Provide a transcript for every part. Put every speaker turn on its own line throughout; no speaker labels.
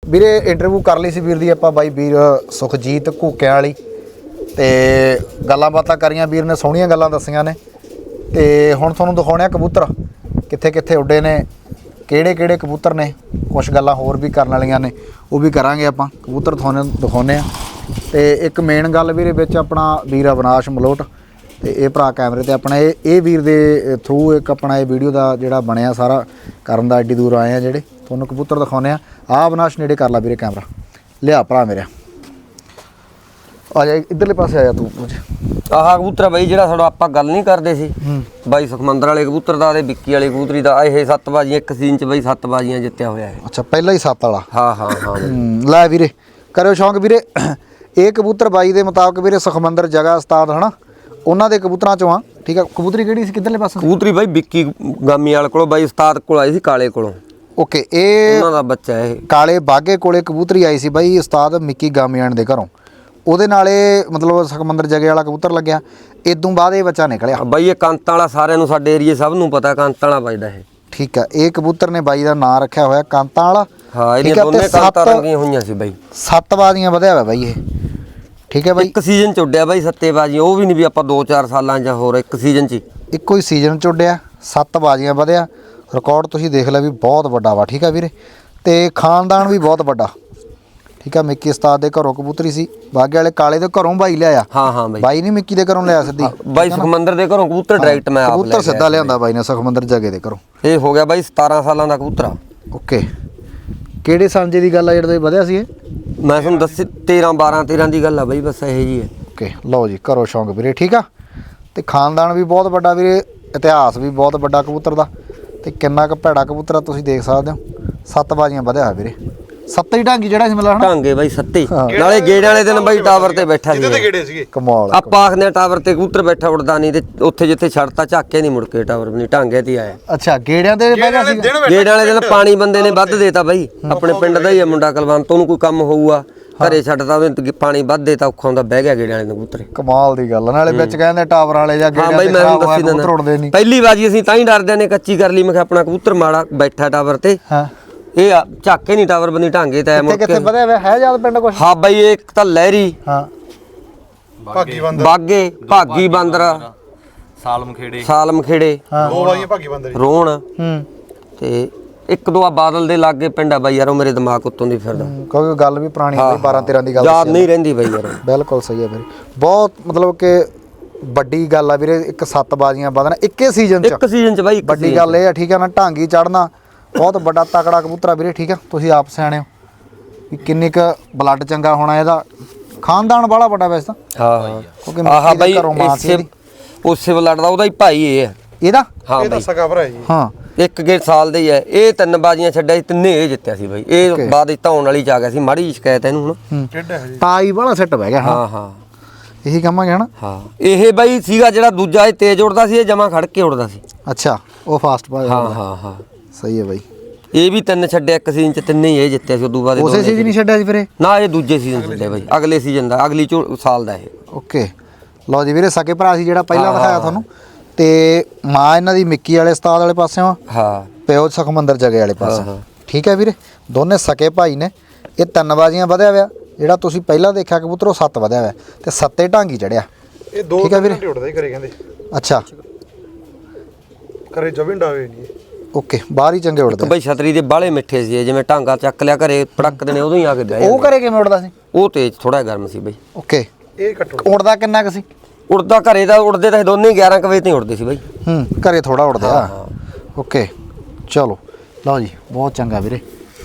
ਵੀਰੇ ਇੰਟਰਵਿਊ ਕਰ ਲਈ ਸੀ ਵੀਰ ਦੀ ਆਪਾਂ ਬਾਈ ਵੀਰ ਸੁਖਜੀਤ ਘੂਕਿਆਂ ਵਾਲੀ ਤੇ ਗੱਲਾਂ ਬਾਤਾਂ ਕਰੀਆਂ ਵੀਰ ਨੇ ਸੋਹਣੀਆਂ ਗੱਲਾਂ ਦੱਸੀਆਂ ਨੇ ਤੇ ਹੁਣ ਤੁਹਾਨੂੰ ਦਿਖਾਉਣੇ ਆ ਕਬੂਤਰ ਕਿੱਥੇ ਕਿੱਥੇ ਉੱਡੇ ਨੇ ਕਿਹੜੇ ਕਿਹੜੇ ਕਬੂਤਰ ਨੇ ਕੁਛ ਗੱਲਾਂ ਹੋਰ ਵੀ ਕਰਨ ਵਾਲੀਆਂ ਨੇ ਉਹ ਵੀ ਕਰਾਂਗੇ ਆਪਾਂ ਕਬੂਤਰ ਤੁਹਾਨੂੰ ਦਿਖਾਉਣੇ ਆ ਤੇ ਇੱਕ ਮੇਨ ਗੱਲ ਵੀਰੇ ਵਿੱਚ ਆਪਣਾ ਵੀਰ ਅਵਨਾਸ਼ ਮਲੋਟ ਤੇ ਇਹ ਭਰਾ ਕੈਮਰੇ ਤੇ ਆਪਣਾ ਇਹ ਵੀਰ ਦੇ ਥਰੂ ਇੱਕ ਆਪਣਾ ਇਹ ਵੀਡੀਓ ਦਾ ਜਿਹੜਾ ਬਣਿਆ ਸਾਰਾ ਕਰਨ ਦਾ ਐਡੀ ਦੂਰ ਆਏ ਆ ਜਿਹੜੇ ਤੁਹਾਨੂੰ ਕਬੂਤਰ ਦਿਖਾਉਣੇ ਆ ਅਵਨਾਸ਼ ਨੇੜੇ ਕਰ ਲਾ ਵੀਰੇ ਕੈਮਰਾ ਲਿਆ ਭਰਾ ਮੇਰੇ ਆ ਜਾ ਇੱਧਰਲੇ ਪਾਸੇ ਆ ਜਾ ਤੂੰ
ਆਹ ਕਬੂਤਰ ਬਾਈ ਜਿਹੜਾ ਥੋੜਾ ਆਪਾਂ ਗੱਲ ਨਹੀਂ ਕਰਦੇ ਸੀ ਬਾਈ ਸੁਖਮੰਦਰ ਵਾਲੇ ਕਬੂਤਰ ਦਾ ਤੇ ਵਿੱਕੀ ਵਾਲੇ ਕਬੂਤਰੀ ਦਾ ਇਹ 7 ਬਾਜ਼ੀਆਂ ਇੱਕ ਸੀਜ਼ਨ ਚ ਬਾਈ 7 ਬਾਜ਼ੀਆਂ ਜਿੱਤਿਆ ਹੋਇਆ ਹੈ
ਅੱਛਾ ਪਹਿਲਾਂ ਹੀ 7 ਵਾਲਾ
ਹਾਂ
ਲੈ ਵੀਰੇ ਕਰਿਓ ਸ਼ੌਂਕ ਵੀਰੇ ਇਹ ਕਬੂਤਰ ਬਾਈ ਦੇ ਮੁਤਾਬਕ ਵੀਰੇ ਸੁਖਮੰਦਰ ਜਗ੍ਹਾ ਉਸਤਾਦ ਹਨਾ ਉਹਨਾਂ ਦੇ ਕਬੂਤਰਾਂ ਚੋਂ ਆ ਠੀਕ ਆ ਕਬੂਤਰੀ ਕਿਹੜੀ ਸੀ ਕਿੱਧਰਲੇ ਪਾਸੇ
ਕਬੂਤਰੀ ਬਾਈ ਵਿੱਕੀ ਗਾਮੀ ਵਾਲੇ ਕੋਲੋਂ ਬਾਈ ਉਸਤਾਦ ਕੋਲ ਆਈ ਸੀ ਕਾਲੇ ਕੋਲੋਂ
ਓਕੇ ਇਹ
ਉਹਨਾਂ ਦਾ ਬੱਚਾ ਇਹ
ਕਾਲੇ ਬਾਗੇ ਕੋਲੇ ਕਬੂਤਰੀ ਆਈ ਸੀ ਬਾਈ ਉਸਤਾਦ ਮਿੱਕੀ ਗਾਮੀਆਣ ਦੇ ਘਰੋਂ ਉਹਦੇ ਨਾਲੇ ਮਤਲਬ ਸੁਖਮੰਦਰ ਜਗੇ ਵਾਲਾ ਕਬੂਤਰ ਲੱਗਿਆ ਇਦੋਂ ਬਾਅਦ ਇਹ ਬੱਚਾ ਨਿਕਲਿਆ
ਬਾਈ ਇਹ ਕਾਂਤਾਂ ਵਾਲਾ ਸਾਰਿਆਂ ਨੂੰ ਸਾਡੇ ਏਰੀਏ ਸਭ ਨੂੰ ਪਤਾ ਕਾਂਤਾਂ ਵਾਲਾ ਵੱਜਦਾ ਇਹ
ਠੀਕ ਆ ਇਹ ਕਬੂਤਰ ਨੇ ਬਾਈ ਦਾ ਨਾਂ ਰੱਖਿਆ ਹੋਇਆ ਕਾਂਤਾਂ ਵਾਲਾ
ਹਾਂ ਇਹਦੀਆਂ ਦੋਨੇ ਕਾਂਤਾਂ ਰੰਗੀਆਂ ਹੋਈਆਂ ਸੀ ਬਾਈ
7 ਬਾਜ਼ੀਆਂ ਵਧਿਆ ਹੋਇਆ ਬਾਈ ਇਹ ਠੀਕ ਹੈ ਬਾਈ
ਇੱਕ ਸੀਜ਼ਨ ਚ ਉੱਡਿਆ ਬਾਈ 7 ਬਾਜ਼ੀਆਂ ਉਹ ਵੀ ਨਹੀਂ ਵੀ ਆਪਾਂ 2-4 ਸਾਲਾਂ ਜਾਂ ਹੋਰ ਇੱਕ ਸੀਜ਼ਨ ਚ
ਇੱਕੋ ਹੀ ਸੀਜ਼ਨ ਚ ਉੱਡਿਆ 7 ਬਾਜ਼ੀਆਂ ਵਧਿਆ ਰਿਕਾਰਡ ਤੁਸੀਂ ਦੇਖ ਲਿਆ ਵੀ ਬਹੁਤ ਵੱਡਾ ਵਾ ਠੀਕ ਆ ਵੀਰੇ ਤੇ ਖਾਨਦਾਨ ਵੀ ਬਹੁਤ ਵੱਡਾ ਠੀਕ ਆ ਮਿੱਕੀ ਉਸਤਾਦ ਦੇ ਘਰੋਂ ਕਬੂਤਰੀ ਸੀ ਬਾਗੇ ਵਾਲੇ ਕਾਲੇ ਦੇ ਘਰੋਂ ਬਾਈ ਲਿਆਇਆ
ਹਾਂ ਬਾਈ
ਬਾਈ ਨਹੀਂ ਮਿੱਕੀ ਦੇ ਘਰੋਂ ਲਿਆ ਸਿੱਧੀ
ਬਾਈ ਸੁਖਮੰਦਰ ਦੇ ਘਰੋਂ ਕਬੂਤਰ ਡਾਇਰੈਕਟ ਮੈਂ ਆਪ
ਕਬੂਤਰ ਸਿੱਧਾ ਲਿਆਂਦਾ ਬਾਈ ਨੇ ਸੁਖਮੰਦਰ ਜਗੇ ਦੇ ਘਰੋਂ
ਇਹ ਹੋ ਗਿਆ ਬਾਈ 17 ਸਾਲਾਂ ਦਾ ਕਬੂਤਰ
ਓਕੇ ਕਿਹੜੇ ਸਾਂਝੇ ਦੀ ਗੱਲ ਆ ਜਿਹੜਾ ਵਧਿਆ ਸੀ ਇਹ
ਮੈਂ ਤੁਹਾਨੂੰ ਦੱਸ 13 ਦੀ ਗੱਲ ਆ ਬਾਈ ਬਸ ਇਹ ਜੀ ਹੈ
ਓਕੇ ਲਓ ਜੀ ਕਰੋ ਸ਼ੌਂਕ ਵੀਰੇ ਠੀਕ ਆ ਤੇ ਖਾਨਦਾਨ ਵੀ ਬਹੁਤ ਵੱਡਾ ਵੀਰੇ ਇਤਿਹਾਸ ਵੀ ਬਹੁਤ ਵੱਡਾ ਕਬੂਤਰ ਦਾ ਤੇ ਕਿੰਨਾ ਕੁ ਭੈੜਾ ਕਬੂਤਰ ਆ ਤੁਸੀਂ ਦੇਖ ਸਕਦੇ ਹੋ 7 ਬਾਜ਼ੀਆਂ ਵਧਿਆ ਹੋਇਆ ਵੀਰੇ 7 ਹੀ ਢਾਂਗੀ ਜਿਹੜਾ ਸੀ ਮਤਲਬ
ਢਾਂਗੇ ਬਾਈ 7 ਨਾਲੇ ਗੇੜੇ ਵਾਲੇ ਦਿਨ ਬਾਈ ਟਾਵਰ ਤੇ ਬੈਠਾ ਸੀ
ਕਿਤੇ ਗੇੜੇ ਸੀਗੇ
ਕਮਾਲ
ਆਪਾਂ ਆਖਦੇ ਆ ਟਾਵਰ ਤੇ ਕਬੂਤਰ ਬੈਠਾ ਉੜਦਾ ਨਹੀਂ ਤੇ ਉੱਥੇ ਜਿੱਥੇ ਛੱਡਤਾ ਝਾਕੇ ਨਹੀਂ ਮੁੜ ਕੇ ਟਾਵਰ ਨਹੀਂ ਢਾਂਗੇ ਤੇ ਆਇਆ
ਅੱਛਾ ਗੇੜਿਆਂ ਦੇ ਬਹਿ ਸੀ
ਗੇੜੇ ਵਾਲੇ ਦਿਨ ਪਾਣੀ ਬੰਦੇ ਨੇ ਵੱਧ ਦੇਤਾ ਬਾਈ ਆਪਣੇ ਪਿੰਡ ਦਾ ਹੀ ਆ ਮੁੰਡਾ ਕਲਵੰਤ ਉਹਨੂੰ ਕੋਈ ਕੰਮ ਹੋਊਗਾ ਘਰੇ ਛੱਡਦਾ ਉਹਨੇ ਪਾਣੀ ਵੱਧ ਦੇਤਾ ਔਖਾ ਹੁੰਦਾ ਬਹਿ ਗਿਆ ਗੇੜੇ ਵਾਲੇ ਨੂੰ ਕਬੂਤਰ
ਕਮਾਲ ਦੀ ਗੱਲ ਨਾਲੇ ਵਿੱਚ ਕਹਿੰਦੇ ਟਾਵਰ ਵਾਲੇ ਜਾਂ
ਹਾਂ ਬਾਈ ਮੈਂ ਤੁਹਾਨੂੰ ਦੱਸੀ ਦਿੰਦਾ ਪਹਿਲੀ ਵਾਰੀ ਅਸੀਂ ਤਾਂ ਹੀ ਡਰਦੇ ਨੇ ਕੱਚੀ ਕਰ ਲਈ ਮੈਂ ਕਿਹਾ ਆਪਣਾ ਕਬੂਤਰ ਮਾੜਾ ਬੈਠਾ ਟਾਵਰ ਤੇ
ਹਾਂ
ਇਹ ਝਾਕੇ ਨਹੀਂ ਟਾਵਰ ਬੰਦੀ ਢਾਂਗੇ ਤੇ ਮੁੜ
ਕਿੱਥੇ ਵਧਿਆ ਹੋਇਆ ਹੈ ਜਦ ਪਿੰਡ ਕੁਛ
ਹਾਂ ਬਾਈ ਇੱਕ ਤਾਂ ਲਹਿਰੀ
ਹਾਂ
ਭਾਗੀ ਬੰਦਰ
ਬਾਗੇ ਭਾਗੀ ਬਾਂਦਰ ਸਾਲਮ ਖੇੜੇ
ਦੋ ਬਾਈਆਂ ਭਾਗੀ ਬੰਦਰ
ਰੋਣ
ਹੂੰ
ਤੇ ਇੱਕ ਦੋ ਆ ਬਾਦਲ ਦੇ ਲਾਗੇ ਪਿੰਡ ਆ ਬਾਈ ਯਾਰ ਉਹ ਮੇਰੇ ਦਿਮਾਗ ਉੱਤੋਂ ਦੀ ਫਿਰਦਾ
ਕਿਉਂਕਿ ਗੱਲ ਵੀ ਪੁਰਾਣੀ ਹੈ 12-13 ਦੀ ਗੱਲ
ਯਾਦ ਨਹੀਂ ਰਹਿੰਦੀ ਬਾਈ ਯਾਰ
ਬਿਲਕੁਲ ਸਹੀ ਹੈ ਵੀਰੇ ਬਹੁਤ ਮਤਲਬ ਕਿ ਵੱਡੀ ਗੱਲ ਆ ਵੀਰੇ ਇੱਕ 7 ਬਾਜ਼ੀਆਂ ਵਧਣਾ ਇੱਕੇ ਸੀਜ਼ਨ ਚ
ਇੱਕ ਸੀਜ਼ਨ ਚ ਬਾਈ
ਵੱਡੀ ਗੱਲ ਇਹ ਆ ਠੀਕ ਆ ਨਾ ਢਾਂਗੀ ਚੜਨਾ ਬਹੁਤ ਵੱਡਾ ਤਕੜਾ ਕਬੂਤਰ ਆ ਵੀਰੇ ਠੀਕ ਆ ਤੁਸੀਂ ਆਪ ਸਿਆਣੇ ਹੋ ਵੀ ਕਿੰਨੀ ਕ ਬਲੱਡ ਚੰਗਾ ਹੋਣਾ ਇਹਦਾ ਖਾਨਦਾਨ ਵਾਲਾ ਵੱਡਾ ਵੈਸੇ ਤਾਂ
ਹਾਂ
ਕਿਉਂਕਿ
ਆਹ ਬਾਈ
ਘਰੋਂ ਮਾਂ ਸੀ ਇਹਦੀ।
ਉਸੇ ਬਲੱਡ ਦਾ ਉਹਦਾ ਹੀ ਭਾਈ ਇਹ ਹੈ
ਇਹਦਾ
ਹਾਂ
ਇਹ ਤਾਂ ਸਗਾ ਭਰਾ ਜੀ
ਹਾਂ
ਇੱਕ ਗੇੜ ਸਾਲ ਦੇ ਹੀ ਹੈ ਇਹ 3 ਬਾਜ਼ੀਆਂ ਛੱਡਿਆ ਸੀ ਤਿੰਨੇ ਇਹ ਜਿੱਤਿਆ ਸੀ ਬਾਈ ਇਹ ਬਾਅਦ ਵਿੱਚ ਧਾਉਣ ਵਾਲੀ ਚ ਆ ਗਿਆ ਸੀ ਮਾੜੀ ਜਿਹੀ ਸ਼ਿਕਾਇਤ ਇਹਨੂੰ ਹੁਣ
ਕਿੱਡਾ ਹੈ ਜੀ
ਤਾਈ ਵਾਲਾ ਸੈੱਟ ਬਹਿ ਗਿਆ
ਹਾਂ
ਇਹੀ ਕਹਾਂਗੇ ਹਨਾ
ਹਾਂ ਇਹ ਬਾਈ ਸੀਗਾ ਜਿਹੜਾ ਦੂਜਾ ਇਹ ਤੇਜ਼ ਉੜਦਾ ਸੀ ਇਹ ਜਮਾ ਖੜ ਕੇ ਉੜਦਾ ਸੀ
ਅੱਛਾ ਉਹ ਫਾਸਟ ਪਾ
ਹਾਂ
ਸਹੀ ਹੈ ਬਾਈ
ਇਹ ਵੀ 3 ਛੱਡਿਆ ਇੱਕ ਸੀਜ਼ਨ ਚ ਤਿੰਨੇ ਹੀ ਇਹ ਜਿੱਤਿਆ ਸੀ ਉਦੋਂ ਬਾਅਦ
ਉਸੇ ਸੀਜ਼ਨ ਨਹੀਂ ਛੱਡਿਆ ਸੀ ਵੀਰੇ
ਨਾ ਇਹ ਦੂਜੇ ਸੀਜ਼ਨ ਛੱਡਿਆ ਬਾਈ ਅਗਲੇ ਸੀਜ਼ਨ ਦਾ ਅਗਲੀ ਸਾਲ ਦਾ ਇਹ
ਓਕੇ ਲਓ ਜੀ ਵੀਰੇ ਸਕੇ ਭਰਾ ਸੀ ਜਿਹੜਾ ਪਹਿਲਾਂ ਦਿਖਾਇਆ ਤੁਹਾਨੂੰ ਤੇ ਮਾਂ ਇਹਨਾਂ ਦੀ ਮਿੱਕੀ ਵਾਲੇ ਉਸਤਾਦ ਵਾਲੇ ਪਾਸਿਓਂ
ਹਾਂ
ਪਿਓ ਸੁਖਮੰਦਰ ਜਗੇ ਵਾਲੇ ਪਾਸੇ ਠੀਕ ਹੈ ਵੀਰੇ ਦੋਨੇ ਸਕੇ ਭਾਈ ਨੇ ਇਹ 3 ਬਾਜ਼ੀਆਂ ਵਧਿਆ ਹੋਇਆ ਜਿਹੜਾ ਤੁਸੀਂ ਪਹਿਲਾਂ ਦੇਖਿਆ ਕਬੂਤਰ ਉਹ 7 ਵਧਿਆ ਹੋਇਆ ਤੇ 7 ਢਾਂਗੀ ਚੜਿਆ
ਇਹ 2 ਘੰਟੇ ਉੱਡਦਾ ਹੀ ਕਰੇ ਕਹਿੰਦੇ
ਅੱਛਾ
ਕਰੇ ਜਵਿੰਡਾ ਹੋਵੇ ਨਹੀਂ
ਓਕੇ ਬਾਹਰ ਹੀ ਚੰਗੇ ਉੜਦੇ
ਬਾਈ ਛਤਰੀ ਦੇ ਬਾਲੇ ਮਿੱਠੇ ਸੀ ਜਿਵੇਂ ਢਾਂਗਾ ਚੱਕ ਲਿਆ ਘਰੇ ਪੜਕ ਦੇਣੇ ਉਦੋਂ ਹੀ ਆ ਕੇ ਬਹਿ
ਉਹ ਘਰੇ ਕਿਵੇਂ ਉੜਦਾ ਸੀ
ਉਹ ਤੇਜ਼ ਥੋੜਾ ਗਰਮ ਸੀ ਬਾਈ
ਓਕੇ
ਇਹ ਕੱਟੋ
ਉੜਦਾ ਕਿੰਨਾ ਕੁ ਸੀ
ਉੜਦਾ ਘਰੇ ਦਾ ਉੜਦੇ ਤਾਂ ਦੋਨੇ 11 ਵਜੇ ਤੇ ਉੜਦੇ ਸੀ ਬਾਈ
ਘਰੇ ਥੋੜਾ ਉੜਦਾ ਓਕੇ ਚਲੋ ਲਓ ਜੀ ਬਹੁਤ ਚੰਗਾ ਵੀਰੇ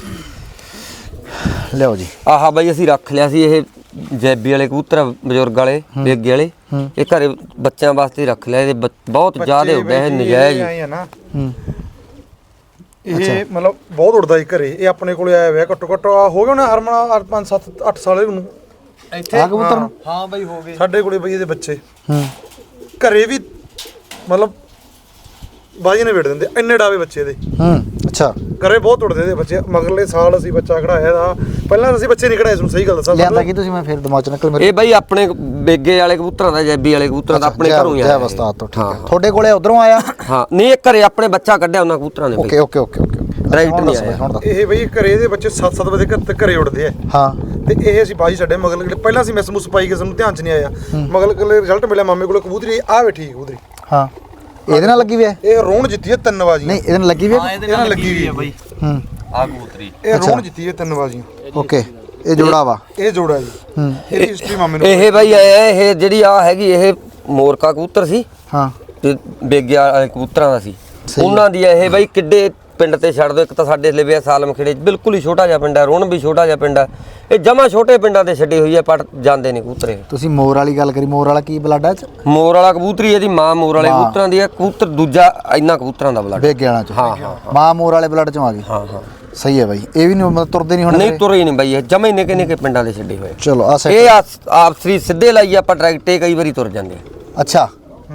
ਲਿਓ ਜੀ
ਆਹਾ ਬਾਈ ਅਸੀਂ ਰੱਖ ਲਿਆ ਸੀ ਇਹ ਜੈਬੀ ਵਾਲੇ ਕਬੂਤਰ ਬਜ਼ੁਰਗ ਵਾਲੇ ਬੇਗੇ ਵਾਲੇ ਇਹ ਘਰੇ ਬੱਚਿਆਂ ਵਾਸਤੇ ਰੱਖ ਲਿਆ ਇਹਦੇ ਬਹੁਤ ਜ਼ਿਆਦਾ ਉੱਡਿਆ ਇਹ ਨਜਾਇਜ਼
ਆਏ ਨਾ ਇਹ ਮਤਲਬ ਬਹੁਤ ਉੜਦਾ ਹੀ ਘਰੇ ਇਹ ਆਪਣੇ ਕੋਲੇ ਆਇਆ ਹੋਇਆ ਘੱਟੋ ਘੱਟ ਹੋ ਗਿਆ ਨਾ ਹਰਮਨ 5 7 8 ਸਾਲ ਨੂੰ
ਇੱਥੇ ਆ ਕਬੂਤਰ ਨੂੰ
ਹਾਂ ਬਾਈ ਹੋ ਗਏ ਸਾਡੇ ਕੋਲੇ ਬਈ ਇਹਦੇ ਬੱਚੇ ਘਰੇ ਵੀ ਮਤਲਬ ਬਾਜੀ ਨੇ ਵੇੜ ਦਿੰਦੇ ਇੰਨੇ ਡਾਵੇ ਬੱਚੇ ਇਹਦੇ
ਅੱਛਾ
ਘਰੇ ਬਹੁਤ ਉੱਡਦੇ ਇਹਦੇ ਬੱਚੇ। ਮਗਰਲੇ ਸਾਲ ਅਸੀਂ ਬੱਚਾ ਕਢਾਇਆ ਦਾ, ਪਹਿਲਾਂ ਅਸੀਂ ਬੱਚੇ ਨਹੀਂ ਕਢਾਏ, ਤੁਹਾਨੂੰ ਸਹੀ ਗੱਲ ਦੱਸਾਂ।
ਲਿਆਂਦਾ ਕੀ ਤੁਸੀਂ? ਮੈਂ ਫਿਰ ਦਿਮਾਗ ਚ ਨਿਕਲ ਮੇਰੇ।
ਇਹ ਬਾਈ ਆਪਣੇ ਬੇਗੇ ਵਾਲੇ ਕਬੂਤਰਾਂ ਦਾ, ਜੈਬੀ ਵਾਲੇ ਕਬੂਤਰਾਂ ਦਾ ਆਪਣੇ ਘਰੋਂ ਹੀ
ਜੈ
ਆਇਆ
ਉਸਤਾਦ ਤੋਂ। ਠੀਕ ਹੈ, ਤੁਹਾਡੇ ਕੋਲੇ ਉਧਰੋਂ ਆਇਆ?
ਹਾਂ ਨਹੀਂ, ਇਹ ਘਰੇ ਆਪਣੇ ਬੱਚਾ ਕੱਢਿਆ ਉਹਨਾਂ ਕਬੂਤਰਾਂ ਨੇ।
Okay okay okay okay.
Direct ਨਹੀਂ ਆਇਆ।
ਹੁਣ ਦੱਸ।
ਇਹ ਬਈ ਘਰੇ ਇਹਦੇ ਬੱਚੇ 7-7 ਵਜੇ ਘਰੇ ਉੱਡਦੇ ਆ।
ਹਾਂ
ਤੇ ਇਹ ਅਸੀਂ ਬਾਜੀ ਛੱਡੇ ਮਗਲ। ਪਹਿਲਾਂ ਅਸੀਂ ਮਿਸ ਮੁਸ ਪਾਈ ਕੇ ਸਾਨੂੰ ਧਿਆਨ ਚ ਨਹੀਂ ਆਇਆ। ਮਗਲ ਕੋਲੇ ਰਿਜ਼ਲਟ ਮਿਲਿਆ, ਮਾਮੇ ਕੋਲੇ ਕਬੂਤਰੀ ਆ ਬੈਠੀ ਕਬੂਤਰੀ।
ਹਾਂ ਇਹਦੇ ਨਾਲ ਲੱਗੀ ਵੀ ਹੈ?
ਇਹ ਰੋਣ ਜਿੱਤੀ ਹੈ 3 ਬਾਜ਼ੀਆਂ।
ਨਹੀਂ ਇਹਦੇ ਨਾਲ ਲੱਗੀ ਵੀ ਹੈ?
ਇਹਦੇ ਨਾਲ ਲੱਗੀ ਵੀ ਹੈ ਬਾਈ।
ਆ ਕਬੂਤਰੀ
ਇਹ ਰੋਣ ਜਿੱਤੀ ਹੈ 3 ਬਾਜ਼ੀਆਂ।
ਓਕੇ ਇਹ ਜੋੜਾ ਵਾ?
ਇਹ ਜੋੜਾ ਜੀ। ਇਹਦੀ ਹਿਸਟਰੀ ਮਾਮੇ ਨੂੰ।
ਇਹ ਬਾਈ ਇਹ ਜਿਹੜੀ ਆ ਹੈਗੀ, ਇਹ ਮੋਰਕਾ ਕਬੂਤਰ ਸੀ।
ਹਾਂ
ਤੇ ਬੇਗੇ ਵਾਲੇ ਕਬੂਤਰਾਂ ਦਾ ਸੀ। ਉਹਨਾਂ ਦੀ ਇਹ ਬਾਈ ਕਿੱਡੇ ਪਿੰਡ ਤੇ ਛੱਡ ਦੋ। ਇੱਕ ਤਾਂ ਸਾਡੇ ਲਿਵਿਆ ਸਾਲਮ ਖੇੜੇ ਬਿਲਕੁਲ ਹੀ ਛੋਟਾ ਜਿਹਾ ਪਿੰਡ ਹੈ, ਰੋਣ ਵੀ ਛੋਟਾ ਜਿਹਾ ਪਿੰਡ ਹੈ। ਇਹ ਜਮਾ ਛੋਟੇ ਪਿੰਡਾਂ ਤੇ ਛੱਡੀ ਹੋਈ ਹੈ, ਪਰ ਜਾਂਦੇ ਨੇ ਕਬੂਤਰੇ।
ਤੁਸੀਂ ਮੋਰ ਵਾਲੀ ਗੱਲ ਕਰੀ, ਮੋਰ ਵਾਲਾ ਕੀ ਬਲੱਡ ਹੈ ਚ?
ਮੋਰ ਵਾਲਾ ਕਬੂਤਰੀ ਇਹਦੀ ਮਾਂ ਮੋਰ ਵਾਲੇ ਕਬੂਤਰਾਂ ਦੀ ਹੈ, ਕਬੂਤਰ ਦੂਜਾ ਇੰਨਾ ਕਬੂਤਰਾਂ ਦਾ ਬਲੱਡ।
ਬੇਗੇ ਵਾਲਾ ਚ?
ਹਾਂ ਹਾਂ
ਮਾਂ ਮੋਰ ਵਾਲੇ ਬਲੱਡ ਚੋਂ ਆ ਗਈ।
ਹਾਂ ਹਾਂ
ਸਹੀ ਹੈ ਬਾਈ। ਇਹ ਵੀ ਨਹੀਂ ਤੁਰਦੇ ਨਹੀਂ ਹੁਣ?
ਨਹੀਂ ਤੁਰੇ ਹੀ ਨਹੀਂ ਬਾਈ, ਇਹ ਜਮਾ ਹੀ ਨਿੱਕੇ ਨਿੱਕੇ ਪਿੰਡਾਂ ਦੇ ਛੱਡੇ ਹੋਏ।
ਚਲੋ ਆ
ਇਹ ਆਪਸਰੀ ਸਿੱਧੇ ਲਾਈ ਆਪਾਂ ਡਾਇਰੈਕਟ ਕਈ ਵਾਰੀ ਤੁਰ ਜਾਂਦੇ।
ਅੱਛਾ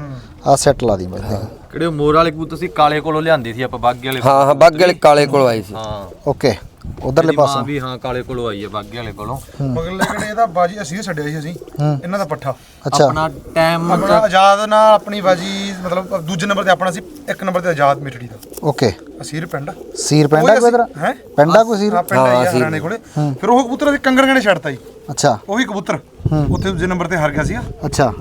ਆ ਸੈੱਟ ਲਾ ਦੀ ਬਾਈ।
ਕਿਹੜੇ ਮੋਰ ਵਾਲੇ ਕਬੂਤਰ ਸੀ, ਕਾਲੇ ਕੋਲੋਂ ਲਿਆਂਦੀ ਸੀ ਆਪਾਂ, ਬਾਗੇ ਵਾਲੇ।
ਹਾਂ ਹਾਂ ਬਾਗੇ ਵਾਲੇ ਕਾਲੇ ਕੋਲ ਆਈ ਸੀ।
ਹਾਂ
ਓਕੇ ਉਧਰਲੇ ਪਾਸੋਂ
ਵੀ। ਹਾਂ ਕਾਲੇ ਕੋਲੋਂ ਆਈ ਹੈ, ਬਾਗੇ ਵਾਲੇ ਕੋਲੋਂ।
ਮਗਰਲੇ ਕਿਹੜੇ ਇਹਦਾ ਬਾਜੀ ਅਸੀਂ ਛੱਡਿਆ ਸੀ ਅਸੀਂ, ਇਹਨਾਂ ਦਾ ਪੱਠਾ।
ਅੱਛਾ
ਆਪਣਾ ਟਾਈਮ
ਆਪਣਾ ਆਜ਼ਾਦ ਨਾਲ ਆਪਣੀ ਬਾਜੀ, ਮਤਲਬ ਦੂਜੇ ਨੰਬਰ ਤੇ ਆਪਣਾ ਸੀ, 1 ਨੰਬਰ ਤੇ ਆਜ਼ਾਦ ਮਿੱਠੜੀ ਦਾ।
ਓਕੇ
ਅਸੀਰ ਪਿੰਡ
ਸੀਰ ਪੈਂਡਾ ਕੋਈ ਇਧਰ?
ਹੈ
ਪੈਂਡਾ ਕੋਈ ਸੀਰ?
ਹਾਂ ਪਿੰਡ ਆਈ ਆ ਹਰਿਆਣੇ ਕੋਲੇ। ਫਿਰ ਉਹ ਕਬੂਤਰ ਅਸੀਂ ਕੰਗਣਗਣੇ ਛੱਡਤਾ ਜੀ।
ਅੱਛਾ
ਉਹੀ ਕਬੂਤਰ ਉੱਥੇ ਦੂਜੇ ਨੰਬਰ ਤੇ ਹਾਰ ਗਿਆ ਸੀਗਾ।
ਅੱਛਾ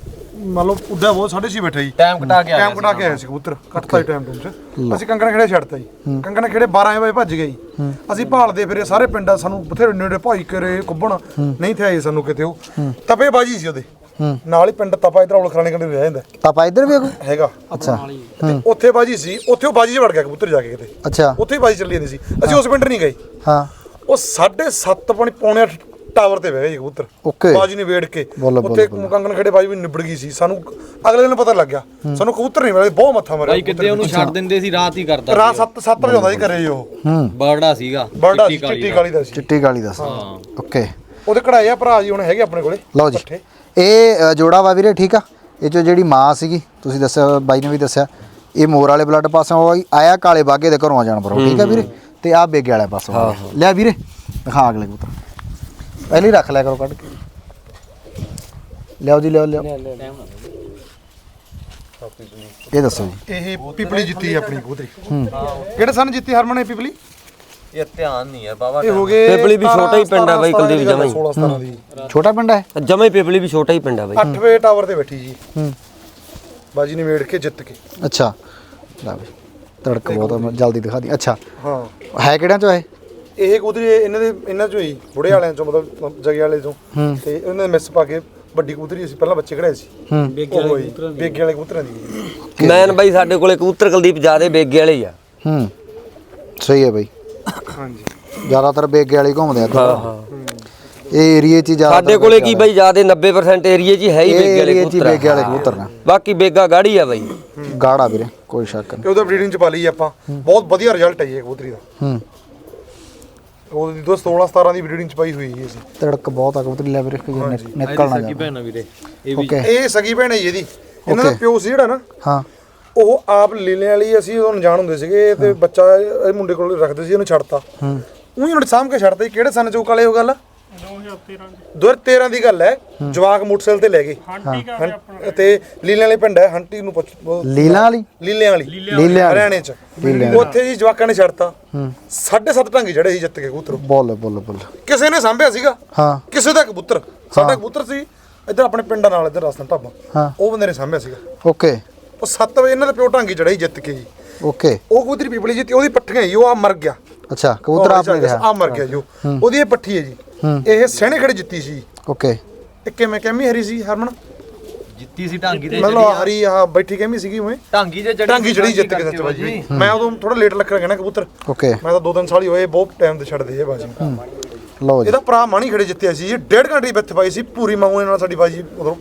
ਮਤਲਬ ਉੱਡਾ ਬਹੁਤ 6:30 ਬੈਠਾ ਜੀ।
ਟਾਈਮ ਘਟਾ ਕੇ
ਟਾਈਮ ਘਟਾ ਕੇ ਆਇਆ ਸੀ ਕਬੂਤਰ, ਕੱਟਤਾ ਟਾਈਮ ਟੂਮ ਚ। ਅਸੀਂ ਕੰਗਣ ਖੇੜੇ ਛੱਡਤਾ ਜੀ। ਕੰਗਣ ਖੇੜੇ 12 ਵਜੇ ਭੱਜ ਗਏ ਜੀ। ਅਸੀਂ ਭਾਲਦੇ ਫਿਰੇ ਸਾਰੇ ਪਿੰਡਾਂ, ਸਾਨੂੰ ਬਥੇਰੇ ਨੇੜੇ ਭਾਈ ਕਰੇ ਕੁੱਬਣ ਨਹੀਂ ਥੇ ਆਏ ਸਾਨੂੰ ਕਿਤੇ। ਉਹ ਤਪੇ ਬਾਜੀ ਸੀ ਉਹਦੇ ਨਾਲ ਹੀ ਪਿੰਡ ਤਪਾ, ਇਧਰ ਔਲ ਖਰਾਣੇ ਕੰਡੇ ਰਹਿ ਜਾਂਦਾ
ਪਾਪਾ ਇੱਧਰ ਵੀ ਕੋਈ
ਹੈਗਾ।
ਅੱਛਾ
ਤੇ ਉੱਥੇ ਬਾਜੀ ਸੀ, ਉੱਥੇ ਉਹ ਬਾਜੀ 'ਚ ਵੜ ਗਿਆ ਕਬੂਤਰ ਜਾ ਕੇ ਕਿਤੇ।
ਅੱਛਾ
ਉੱਥੇ ਹੀ ਬਾਜੀ ਚੱਲੀ ਜਾਂਦੀ ਸੀ। ਅਸੀਂ ਉਸ ਪਿੰਡ ਨਹੀਂ ਗਏ।
ਹਾਂ
ਉਹ 7:30 ਪੌਣੇ 8 ਟਾਵਰ ਤੇ ਬਹਿ ਗਏ ਕਬੂਤਰ।
ਓਕੇ
ਬਾਜੀ ਨੇ ਵੇੜ ਕੇ
ਬੋਲੋ,
ਉੱਥੇ ਕੰਗਣ ਖੇੜੇ ਬਾਜੀ ਵੀ ਨਿਬੜ ਗਈ ਸੀ। ਸਾਨੂੰ ਅਗਲੇ ਦਿਨ ਪਤਾ ਲੱਗਿਆ, ਸਾਨੂੰ ਕਬੂਤਰ ਨਹੀਂ ਮਿਲੇ, ਬਹੁਤ ਮੱਥਾ ਮਾਰਿਆ।
ਭਾਈ ਕਿਤੇ ਉਹਨੂੰ ਛੱਡ ਦਿੰਦੇ ਸੀ, ਰਾਤ ਹੀ ਕਰਦਾ
ਰਾਤ 7 ਵਜੇ ਆਉਂਦਾ ਸੀ ਘਰੇ ਉਹ।
ਬਰੜਾ ਸੀਗਾ,
ਬਰਡਾ ਸੀ, ਚਿੱਟੀ ਕਾਲੀ ਦਾ ਸੀ।
ਚਿੱਟੀ ਕਾਲੀ ਦਾ ਸੀ। ਓਕੇ
ਉਹਦੇ ਕਢਾਏ ਆ ਭਰਾ ਜੀ ਹੁਣ ਹੈਗੇ ਆਪਣੇ ਕੋਲੇ।
ਲਓ ਜੀ ਇਹ ਜੋੜਾ ਵਾ ਵੀਰੇ। ਠੀਕ ਆ, ਇਹ ਚੋਂ ਜਿਹੜੀ ਮਾਂ ਸੀਗੀ ਤੁਸੀਂ ਦੱਸਿਆ, ਬਾਈ ਨੇ ਵੀ ਦੱਸਿਆ, ਇਹ ਮੋਰ ਵਾਲੇ ਬਲੱਡ ਪਾਸੋਂ ਆਇਆ, ਕਾਲੇ ਬਾਗੇ ਦੇ ਘਰੋਂ ਆ ਜਾਨਵਰ। ਠੀਕ ਆ ਵੀਰੇ। ਤੇ ਆ ਬੇਗੇ ਵਾਲੇ ਪਾਸੋਂ ਲਿਆ ਵੀਰੇ। ਦਿਖਾ ਅਗਲੇ ਕਬੂਤਰ ਪਹਿਲੇ ਹੀ ਰੱਖ ਲਿਆ ਕਰੋ ਕੱਢ ਕੇ। ਲਿਆਓ ਜੀ ਲਿਆਓ ਲਿਆਓ। ਇਹ ਦੱਸੋ ਜੀ।
ਇਹ ਪਿਪਲੀ ਜਿੱਤੀ ਆਪਣੀ ਕਬੂਤਰੀ। ਕਿਹੜੇ ਸਨ ਜਿੱਤੀ ਹਰਮਨ ਇਹ ਪਿਪਲੀ?
ਇਹ ਧਿਆਨ ਨਹੀਂ ਹੈ ਬਾਬਾ।
ਇਹ ਹੋ ਗਏ
ਪਿਪਲੀ ਵੀ ਛੋਟਾ ਹੀ ਪਿੰਡ ਆ ਬਾਈ, ਕੁਲਦੀਪ ਜਮਾਂ ਹੀ।
16-17 ਦੀ
ਛੋਟਾ ਪਿੰਡ ਹੈ
ਜਮਾ ਹੀ ਪਿਪਲੀ ਵੀ ਛੋਟਾ ਹੀ ਪਿੰਡ ਆ ਬਾਈ।
8 ਵਜੇ ਟਾਵਰ ਤੇ ਬੈਠੀ ਜੀ। ਬਾਜੀ ਨੇ ਵੇੜ ਕੇ ਜਿੱਤ ਕੇ।
ਅੱਛਾ ਲੈ ਬਈ ਤੜਕ ਬਹੁਤ ਜਲਦੀ ਦਿਖਾ ਦੀ। ਅੱਛਾ
ਹਾਂ
ਹੈ ਕਿਹੜਿਆਂ ਚੋਂ ਹੈ
ਇਹ ਕਬੂਤਰੀ? ਇਹਨਾਂ ਚੋਂ ਹੀ ਬੁੜੇ ਵਾਲਿਆਂ ਚੋਂ, ਮਤਲਬ ਜਗੇ ਵਾਲੇ ਚੋਂ। ਤੇ ਉਹਨਾਂ ਨੇ ਮਿਸ ਪਾ ਕੇ ਵੱਡੀ ਕਬੂਤਰੀ ਅਸੀਂ ਪਹਿਲਾਂ ਬੱਚੇ ਕਢਾਏ ਸੀ। ਬੇਗੇ ਵਾਲੇ ਕਬੂਤਰਾਂ ਦੀ।
ਮੈਨ ਬਾਈ ਸਾਡੇ ਕੋਲੇ ਕਬੂਤਰ ਕੁਲਦੀਪ ਜਿਆਦੇ ਬੇਗੇ ਵਾਲੇ ਹੀ ਆ।
ਸਹੀ ਹੈ ਬਈ।
ਹਾਂਜੀ
ਜ਼ਿਆਦਾਤਰ ਬੇਗੇ ਵਾਲੇ ਘੁੰਮਦੇ ਆ। ਹਾਂ ਇਹ ਏਰੀਏ 'ਚ ਜ਼ਿਆਦਾ
ਸਾਡੇ ਕੋਲੇ ਕੀ ਬਾਈ ਜਿਆਦੇ 90% ਏਰੀਏ 'ਚ ਹੈ ਹੀ ਬੇਗੇ ਵਾਲੇ ਕਬੂਤਰ।
ਬੇਗੇ ਵਾਲੇ ਕਬੂਤਰ ਨੇ।
ਬਾਕੀ ਬੇਗਾ ਗਾੜੀ ਆ ਬਾਈ।
ਗਾੜਾ ਵੀਰੇ ਕੋਈ ਸ਼ੱਕ ਨਹੀਂ।
ਤੇ ਉਹਦਾ ਬਰੀਡਿੰਗ ਚ ਪਾ ਲਈ ਆਪਾਂ, ਬਹੁਤ ਵਧੀਆ ਰਿਜ਼ਲਟ ਹੈ ਜੀ ਇਹ ਕਬੂਤਰੀ ਦਾ। ਉਹਦੀ 16-17 ਦੀ ਬਰੀਡਿੰਗ ਚ ਪਾਈ ਹੋਈ ਹੈ ਅਸੀਂ।
ਤੜਕ ਬਹੁਤ ਆ ਕਬੂਤਰੀ ਲੈ ਵੀਰੇ, ਨਿਕਲਣਾ ਜਾ।
ਭੈਣਾ ਵੀਰੇ
ਓਕੇ
ਇਹ ਸਗੀ ਭੈਣ ਹੈ ਜੀ ਇਹਦੀ। ਇਹਨਾਂ ਦਾ ਪਿਓ ਸੀ ਜਿਹੜਾ ਨਾ,
ਹਾਂ
ਉਹ ਆਪ ਲੀਲੇ ਵਾਲੀ, ਅਸੀਂ ਉਹਨੂੰ ਅਣਜਾਣ ਹੁੰਦੇ ਸੀਗੇ ਤੇ ਬੱਚਾ ਇਹ ਮੁੰਡੇ ਕੋਲ ਰੱਖਦੇ ਸੀ, ਉਹਨੂੰ ਛੱਡਤਾ। ਉਹੀ ਹੁਣ ਸਾਂਭ ਕੇ ਛੱਡਤਾ ਜੀ। ਕਿਹੜੇ ਸਨ ਚੋਂ ਕਾਲੇ ਉਹ ਗੱਲ? 2013 ਦੀ ਗੱਲ ਹੈ। ਜਵਾਕ ਮੋਟਰਸਾਈਕਲ ਤੇ ਲੈ ਗਏ ਤੇ ਲੀਲੇ ਵਾਲੇ ਪਿੰਡ ਹੈ, ਹੰਟੀ ਨੂੰ
ਲੀਲਾਂ ਵਾਲੀ
ਲੀਲਿਆਂ ਵਾਲੀ
ਲੀਲਿਆਂ
ਹਰਿਆਣੇ ਚ। ਉੱਥੇ ਜੀ ਜਵਾਕਾਂ ਨੇ ਛੱਡਤਾ। 7.5 ਢਾਂਗੀ ਚੜੇ ਸੀ ਜਿੱਤ ਕੇ ਕਬੂਤਰ।
ਬੋਲ ਬੋਲ ਬੋਲ।
ਕਿਸੇ ਨੇ ਸਾਂਭਿਆ ਸੀਗਾ,
ਹਾਂ
ਕਿਸੇ ਦਾ ਕਬੂਤਰ। ਸਾਡਾ ਕਬੂਤਰ ਸੀ ਇੱਧਰ ਆਪਣੇ ਪਿੰਡਾਂ ਨਾਲ, ਇੱਧਰ ਰਾਸਤਾ ਢਾਬਾ,
ਹਾਂ
ਉਹ ਬੰਦੇ ਨੇ ਸਾਂਭਿਆ ਸੀਗਾ।
ਓਕੇ
ਉਹ 7 ਵਜੇ ਇਹਨਾਂ ਦੇ ਪਿਓ ਢਾਂਗੀ ਚੜਾਈ ਜਿੱਤ ਕੇ ਜੀ।
ਓਕੇ
ਉਹ ਕਬੂਤਰੀ ਪਿਪਲੀ ਜਿੱਤੀ, ਉਹਦੀ ਪੱਠੀਆਂ ਜੀ, ਉਹ ਆ ਮਰ ਗਿਆ।
ਅੱਛਾ ਕਬੂਤਰ ਆਪ ਨੇ ਰਿਹਾ
ਆ ਮਰ ਗਿਆ ਜੋ, ਉਹਦੀ ਇਹ ਪੱਠੀ ਹੈ ਜੀ। ਇਹ ਸਹਿਣੇ ਖੜੇ ਜਿੱਤੀ ਸੀ।
ਓਕੇ
ਇਹ ਕਿਵੇਂ ਕਹਿਮੀ ਹਰੀ ਸੀ ਹਰਮਨ?
ਜਿੱਤੀ ਸੀ ਢਾਂਗੀ ਤੇ
ਮਤਲਬ ਹਰੀ ਆ ਬੈਠੀ ਕਹਿਮੀ ਸੀਗੀ ਉਵੇਂ।
ਢਾਂਗੀ ਜੇ
ਢਾਂਗੀ ਚੜੀ ਜਿੱਤ ਕੇ ਸੱਚ ਬਾਜੀ। ਮੈਂ ਉਦੋਂ ਥੋੜਾ ਲੇਟ ਲੱਗ ਰਿਹਾ ਕਬੂਤਰ।
ਓਕੇ
ਮੈਂ ਤਾਂ 2-3 ਸਾਲ ਹੀ ਹੋਏ, ਬਹੁਤ ਟਾਈਮ ਤੇ ਛੱਡਦੇ ਇਹ ਬਾਜੀ।
ਲਓ ਜੀ
ਇਹਦਾ ਭਰਾ ਮਾਣੀ ਖੜੇ ਜਿੱਤਿਆ ਸੀ ਜੀ। 1.5 ਘੰਟੇ ਵਿੱਚ ਪਾਈ ਸੀ ਪੂਰੀ ਮਾਊ ਨਾਲ ਸਾਡੀ ਬਾਜੀ। ਉਦੋਂ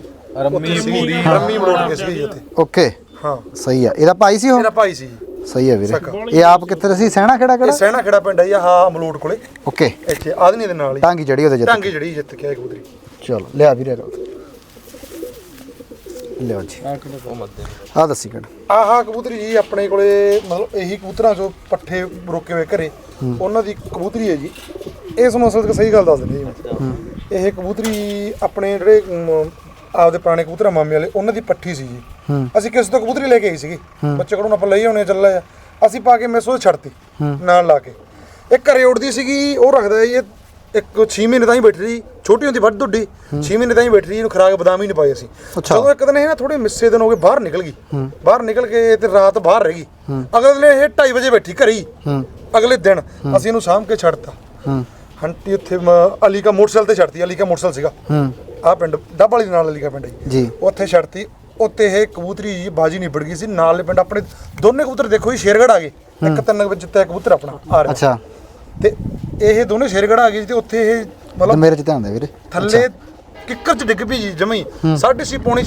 ਰੰਮੀ ਮਰੋੜ ਕੇ ਸੀ ਉੱਥੇ।
ਓਕੇ
ਹਾਂ
ਸਹੀ ਆ। ਇਹਦਾ ਭਾਈ ਸੀ ਉਹ?
ਇਹਦਾ ਭਾਈ ਸੀ।
ਸਹੀ ਹੈ ਵੀਰੇ। ਇਹ ਆਪ ਕਿੱਥੇ ਸੀ? ਸਹਿਣਾ ਖੇੜਾ
ਇਹ
ਕਿਹੜਾ?
ਸਹਿਣਾ ਖੇੜਾ ਪਿੰਡ ਹੈ ਜੀ, ਹਾਂ ਮਲੋਟ ਕੋਲੇ।
ਓਕੇ
ਇੱਥੇ ਆਦਨੀ ਦੇ ਨਾਲ ਹੀ
ਟਾਂਗੀ ਜੜੀ ਉਹਦੇ ਜਿੱਤ।
ਢਾਂਗੀ ਜੜੀ ਜਿੱਤ ਕੇ ਆਏ ਕਬੂਤਰੀ।
ਚਲੋ ਲਿਆ ਵੀਰੇ। ਲਿਓ ਜੀ ਆ ਦੱਸੀ ਕਿਹੜਾ
ਆਹ ਕਬੂਤਰੀ ਜੀ ਆਪਣੇ ਕੋਲੇ ਮਤਲਬ ਇਹੀ ਕਬੂਤਰਾਂ ਚੋਂ ਪੱਠੇ ਰੋਕੇ ਹੋਏ ਘਰੇ ਉਹਨਾਂ ਦੀ ਕਬੂਤਰੀ ਹੈ ਜੀ। ਇਸ ਮਸਲੇ ਤੇ ਸਹੀ ਗੱਲ ਦੱਸ ਦਿੰਦੇ ਜੀ ਮੈਂ। ਇਹ ਕਬੂਤਰੀ ਆਪਣੇ ਜਿਹੜੇ ਆਪਦੇ ਪੁਰਾਣੇ ਕਬੂਤਰਾਂ ਮਾਮੇ ਵਾਲੇ ਉਹਨਾਂ ਦੀ ਪੱਠੀ ਸੀ ਜੀ। ਅਸੀਂ ਕਿਸੇ ਤੋਂ ਕਬੂਤਰੀ ਲੈ ਕੇ ਆਈ ਸੀਗੀ, ਬੱਚੇ ਕੋਲੋਂ ਆਪਾਂ ਲਈ ਆਉਣੇ ਚੱਲਾ ਆ, ਅਸੀਂ ਪਾ ਕੇ ਮੈਸੋ ਛੱਡਤੀ ਨਾਲ ਲਾ ਕੇ। ਇਹ ਘਰੇ ਉੱਡਦੀ ਸੀਗੀ, ਉਹ ਰੱਖਦਾ ਜੀ ਇੱਕ 6 ਮਹੀਨੇ ਤਾਂ ਹੀ ਬੈਠੀ ਰਹੀ, ਛੋਟੀ ਹੁੰਦੀ ਵੱਡ ਦੁੱਡੀ 6 ਮਹੀਨੇ ਤਾਂ ਹੀ ਬੈਠੀ ਰਹੀ, ਇਹਨੂੰ ਖੁਰਾਕ ਬਦਾਮ ਹੀ ਨਹੀਂ ਪਾਏ ਅਸੀਂ। ਜਦੋਂ ਇੱਕ ਦਿਨ ਇਹ ਨਾ ਥੋੜੇ ਮਿੱਸੇ ਦਿਨ ਹੋ ਗਏ ਬਾਹਰ ਨਿਕਲ ਗਈ, ਬਾਹਰ ਨਿਕਲ ਕੇ ਤੇ ਰਾਤ ਬਾਹਰ ਰਹਿ ਗਈ। ਅਗਲੇ ਦਿਨ ਇਹ 2:30 ਵਜੇ ਬੈਠੀ ਘਰੇ ਹੀ। ਅਗਲੇ ਦਿਨ ਅਸੀਂ ਇਹਨੂੰ ਸਾਂਭ ਕੇ ਛੱਡਤਾ ਹੰਟੀ ਉੱਥੇ ਅਲੀ ਕਾ ਮੋਟਰਸਾਈਕਲ ਤੇ ਛੱਡਤੀ। ਅਲੀ ਕਾ ਮੋਟਰਸਾਈਕਲ ਸੀਗਾ ਆਹ ਪਿੰਡ ਡੱਬ ਵਾਲੀ ਦੇ ਨਾਲ ਅਲੀ ਕਾ ਪਿੰਡ ਜੀ, ਉੱਥੇ ਛੱਡਤੀ। ਉੱਤੇ ਇਹ ਕਬੂਤਰੀ ਜੀ ਬਾਜੀ ਨਿਬੜ ਗਈ ਸੀ। ਨਾਲ ਪਿੰਡ ਆਪਣੇ ਦੋਨੇ ਕਬੂਤਰ ਦੇਖੋ ਜੀ ਸ਼ੇਰਗੜ੍ਹ ਆ ਗਏ, ਇੱਕ 3 ਵਜੇ ਜਿੱਤਿਆ ਕਬੂਤਰ ਆਪਣਾ ਆ ਰਿਹਾ।
ਅੱਛਾ
ਤੇ ਇਹ ਦੋਨੇ ਸ਼ੇਰਗੜ੍ਹ ਆ ਗਏ ਤੇ ਉੱਥੇ ਇਹ ਮਤਲਬ
ਮੇਰੇ ਚ ਧਿਆਨ ਦੇ ਵੀਰੇ
ਥੱਲੇ ਕਿੱਕਰ ਚ ਡਿੱਗ ਪਈ ਜੀ ਜਮਈ 6:30 ਪੌਣੇ